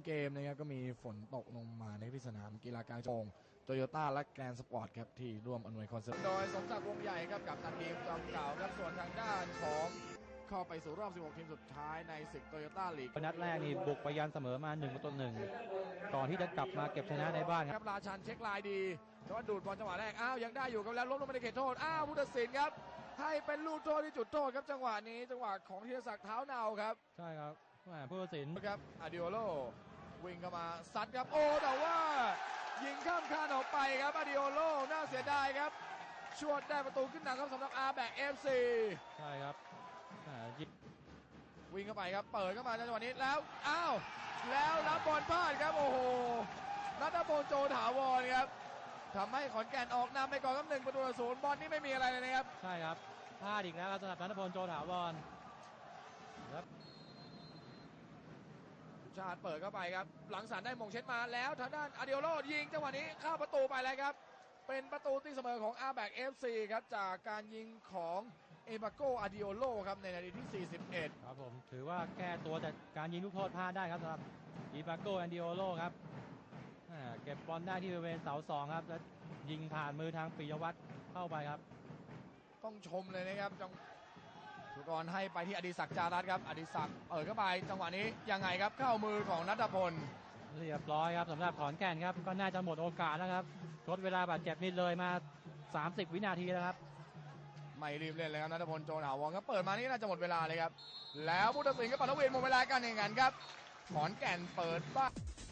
เกมนะครับก็มีฝนตกลงมาในที่สนามกีฬากลางจังหวัดโตโยต้าและแกรนด์สปอร์ตครับที่ร่วมอำนวยความสะดวกโดยสมศักดิ์วงใหญ่ครับกับตันทีมจอมเก่าครับส่วนทางด้านของเข้าไปสู่รอบ 16 ทีมสุดท้ายในศึกโตโยต้าลีกนัดแรกนี่บุกไปยันเสมอมา1-1ก่อนที่จะกลับมาเก็บชนะในบ้านครับราชันเช็คลายดีแต่ว่าดูดบอลจังหวะแรกยังได้อยู่ครับแล้วล้มลงไปในเขตโทษผู้ตัดสินครับให้เป็นลูกโทษที่จุดโทษครับจังหวะนี้จังหวะของธีรศักดิ์เท้าเนาครับใช่ครับผู้ตัดสินครับอาดิโอโลวิ่งเข้ามาซัดครับแต่ว่ายิงข้ามคานออกไปครับอาดิโอโลน่าเสียดายครับชวดได้ประตูขึ้นนำครับสำหรับอาร์แบก FC ใช่ครับวิ่งเข้าไปครับเปิดเข้ามาในจังหวะนี้แล้วแล้วรับบอลพลาดครับโอ้โหณัฐพลโจถาวรครับทำให้ขอนแก่นออกนำไปก่อนครับ1-0บอลนี่ไม่มีอะไรเลยนะครับใช่ครับพลาดอีกแล้วครับสำหรับณัฐพลโจถาวรครับชาติเปิดเข้าไปครับหลังสารได้มงเช็ดมาแล้วทางด้านอาดิโอโลยิงจังหวะนี้เข้าประตูไปแล้วครับเป็นประตูตีเสมอของอาร์แบก FC ครับจากการยิงของเอบาโกอาดิโอโลครับในนาทีที่41 ครับผมถือว่าแก้ตัวจากการยิงลูกโทษพลาดได้ครับสำหรับเอบาโกอาดิโอโลครับเก็บบอลได้ที่บริเวณเสา2ครับแล้วยิงผ่านมือทางปิยวัฒน์เข้าไปครับต้องชมเลยนะครับสุกรให้ไปที่อดิศักดิ์จารัตครับอดิศักดิ์เปิดเข้าไปจังหวะนี้ยังไงครับเข้ามือของณัฐพลเรียบร้อยครับสำหรับขอนแก่นครับก็น่าจะหมดโอกาสแล้วครับทดเวลาบาดเจ็บนิดเลยมา30วินาทีแล้วครับไม่รีบเล่นเลยครับณัฐพลโจถาวรครับเปิดมานี่น่าจะหมดเวลาเลยครับแล้วผู้ตัดสินก็ปัดเวรหมดเวลาการแข่งขันครับขอนแก่นเปิดบ้าน